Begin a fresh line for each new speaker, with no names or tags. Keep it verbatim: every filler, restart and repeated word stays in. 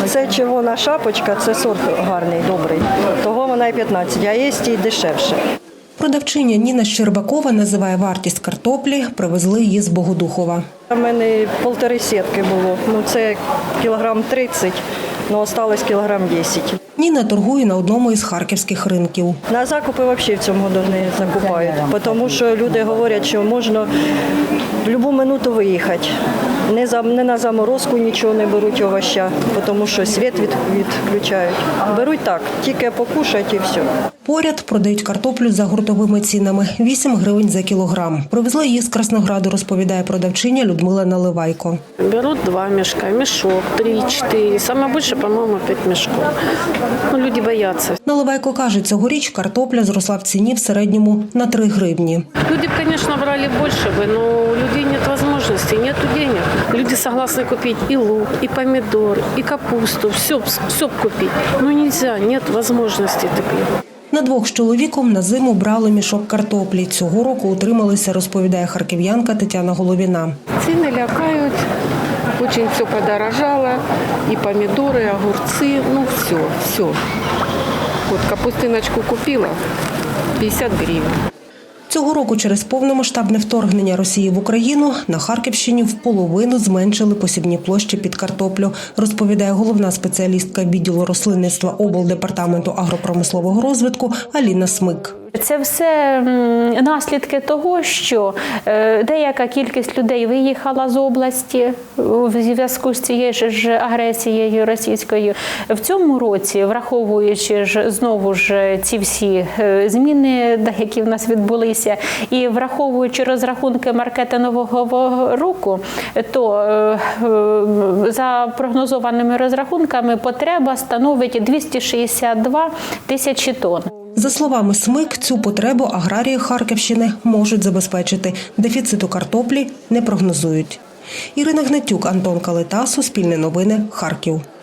Це червона шапочка, це сорт гарний, добрий. Того вона і п'ятнадцять, а є і дешевше.
Продавчиня Ніна Щербакова називає вартість картоплі, привезли її з Богодухова.
У мене півтори сітки було, ну це кілограм тридцять, але залишилось кілограм десять.
Ніна торгує на одному із харківських ринків.
На закупи взагалі в цьому году не закупають, тому що люди говорять, що можна в будь-яку минуту виїхати. Не, за, не на заморозку нічого не беруть овоща, тому що світ від, відключають. Беруть так, тільки покушать і все.
Поряд продають картоплю за гуртовими цінами – вісім гривень за кілограм. Привезли її з Краснограду, розповідає продавчиня Людмила Наливайко.
Беруть два мішка, мішок, три, чотири, саме більше, по-моєму, п'ять мішків. Ну, люди бояться.
Наливайко каже, цьогоріч картопля зросла в ціні в середньому на три гривні.
Люди б, звісно, брали більше, але у людей немає можливості, немає денег. Люди согласны купить и лук, и помидор, и капусту, все, все купить. Но нельзя, нет возможности таких.
На двох з чоловіком на зиму брали мішок картоплі. Цього року утрималися, розповідає харків'янка Тетяна Головіна.
Ціни лякають, дуже все подорожало, і помідори, і огурці, ну все, все. От капустиночку купила, п'ятдесят гривень.
Цього року через повномасштабне вторгнення Росії в Україну на Харківщині в половину зменшили посівні площі під картоплю, розповідає головна спеціалістка відділу рослинництва облдепартаменту агропромислового розвитку Аліна Смик.
Це все наслідки того, що деяка кількість людей виїхала з області в зв'язку з цією ж агресією російською. В цьому році, враховуючи ж знову ж ці всі зміни, які в нас відбулися, і враховуючи розрахунки маркетингового року, то за прогнозованими розрахунками потреба становить двісті шістдесят два тисячі тонн.
За словами Смик, цю потребу аграрії Харківщини можуть забезпечити. Дефіциту картоплі не прогнозують. Ірина Гнатюк, Антон Калита, Суспільне новини, Харків.